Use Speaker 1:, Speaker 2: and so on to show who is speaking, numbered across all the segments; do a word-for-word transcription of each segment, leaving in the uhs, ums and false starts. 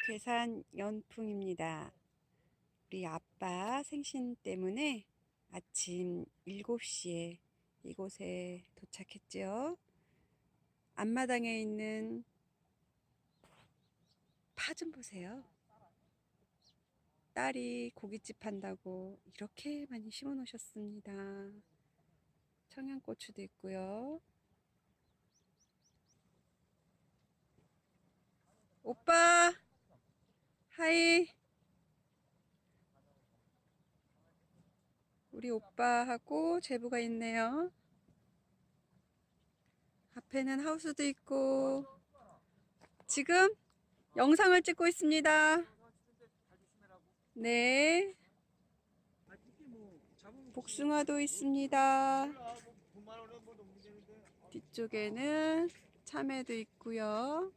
Speaker 1: 괴산 연풍입니다. 우리 아빠 생신 때문에 아침 일곱 시에 이곳에 도착했죠. 앞마당에 있는 파 좀 보세요. 딸이 고깃집 한다고 이렇게 많이 심어 놓으셨습니다. 청양고추도 있고요. 오빠 하이. 우리 오빠하고 제부가 있네요. 앞에는 하우스도 있고 지금 영상을 찍고 있습니다. 네. 복숭아도 있습니다. 뒤쪽에는 참외도 있고요.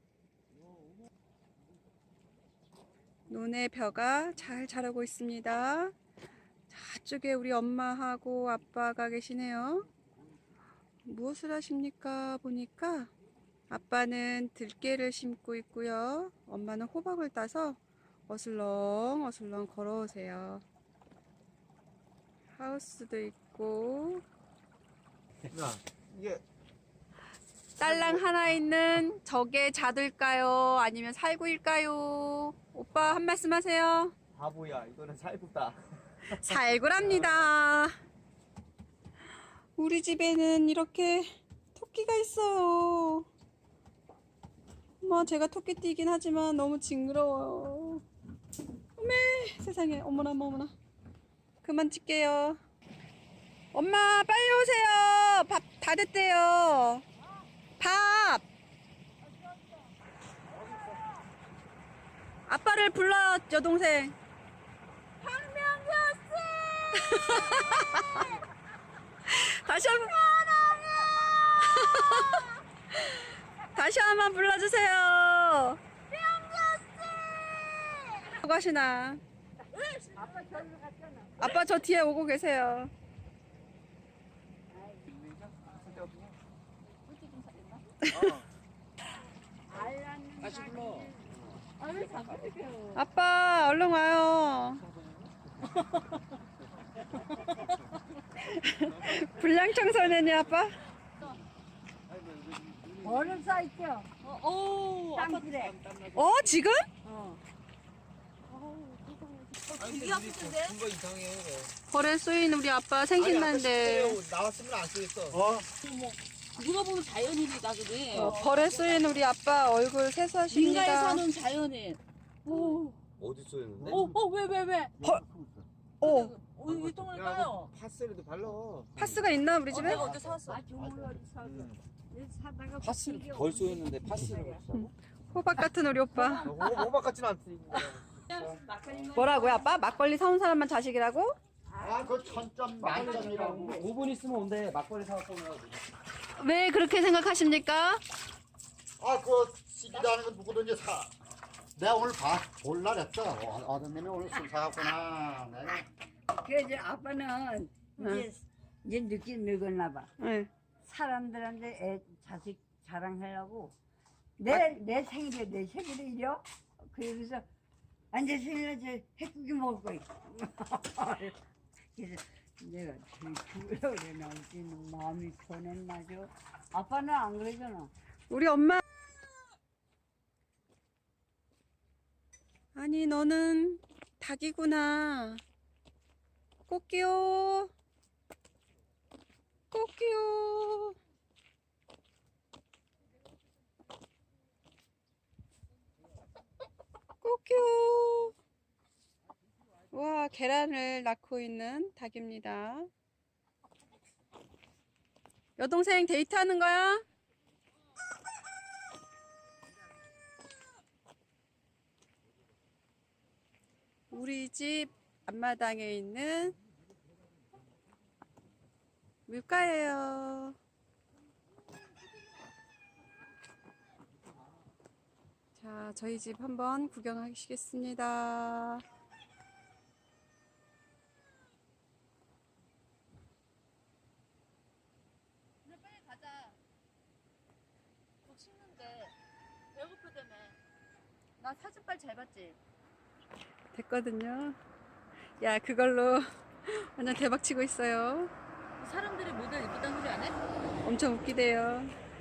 Speaker 1: 논의벼가 잘 자라고 있습니다. 저쪽에 우리 엄마하고 아빠가 계시네요. 무엇을 하십니까? 보니까 아빠는 들깨를 심고 있고요. 엄마는 호박을 따서 어슬렁 어슬렁 걸어오세요. 하우스도 있고
Speaker 2: 야, 이게
Speaker 1: 딸랑 하나 있는 저게 자들까요? 아니면 살구일까요? 오빠 한 말씀 하세요.
Speaker 2: 바보야, 이거는 살구다.
Speaker 1: 살구랍니다. 우리 집에는 이렇게 토끼가 있어요. 뭐 제가 토끼띠이긴 하지만 너무 징그러워요. 어메 세상에, 어머나 어머나. 그만 찍게요. 엄마 빨리 오세요. 밥 다 됐대요. 밥. 아빠를 불러, 여동생.
Speaker 3: 박명규
Speaker 1: 다시 한번 다시 한번 불러주세요. 뭐고 하시나? 아빠 저 뒤에 오고 계세요.
Speaker 2: 다시 불러.
Speaker 1: 아빠 얼른 와요. 불량 청소년이 아빠?
Speaker 3: 얼음 쌓였죠?
Speaker 1: 어,
Speaker 3: 땅굴에.
Speaker 1: 어 지금?
Speaker 3: 어.
Speaker 2: 되게 아프던데? 뭔가 이상해.
Speaker 1: 벌에 쏘인 우리 아빠 생신날인데
Speaker 2: 나왔으면 안 쓰겠어. 어?
Speaker 4: 누가 보면 자연인이다 그래.
Speaker 1: 어, 벌에 쏘인 우리 아빠 얼굴
Speaker 4: 민가에
Speaker 1: 세수하십니다.
Speaker 4: 사는 자연인. 오,
Speaker 2: 어디 쏘였는데?
Speaker 4: 어, 어, 왜, 왜, 왜?
Speaker 1: 벌, 어,
Speaker 4: 어, 왜 똥을 까요?
Speaker 2: 파스라도 발라.
Speaker 1: 파스가 있나 우리 집에?
Speaker 4: 내가 어제 사왔어.
Speaker 3: 아, 좋은 어디 사서. 사다가
Speaker 2: 파스를 벌 쏘였는데 파스를.
Speaker 1: 호박 같은 우리 오빠.
Speaker 2: 호박 같진 않지.
Speaker 1: 뭐라고요 아빠? 막걸리 사온 사람만 자식이라고?
Speaker 5: 아, 그 천점 만점이라고.
Speaker 2: 오 분 있으면 온대. 막걸리 사왔어.
Speaker 1: 왜 그렇게 생각하십니까?
Speaker 5: 아, 그 시기라는 건 누구든지 사. 내가 오늘 봐, 볼라 그랬어. 어, 어떤 놈이 오늘 술 사갔구나. 내가.
Speaker 3: 그래서 아빠는 이제, 이제 늦게 늙었나 봐.
Speaker 1: 네.
Speaker 3: 사람들한테 애, 자식 자랑하려고. 내, 내 생일에, 내 생일에 이려? 그래서, 아, 내 생일에 저 핵국이 먹을 거야. 그래서 내가 죽으려고 그러나, 어찌는 마음이 편했나죠? 아빠는 안 그러잖아.
Speaker 1: 우리 엄마. 아니 너는 닭이구나. 꽃기요. 꽃기요. 꽃기요. 와, 계란을 낳고 있는 닭입니다. 여동생 데이트하는 거야? 우리 집 앞마당에 있는 물가예요. 자, 저희 집 한번 구경하시겠습니다.
Speaker 4: 빨리 가자. 곧 식는데. 배고프다며.
Speaker 1: 나 사진 빨리
Speaker 4: 색깔 잘 봤지?
Speaker 1: 됐거든요. 야, 그걸로 완전 대박 치고 있어요.
Speaker 4: 사람들이 모델 이쁘다는 소리 안 해?
Speaker 1: 엄청 웃기대요.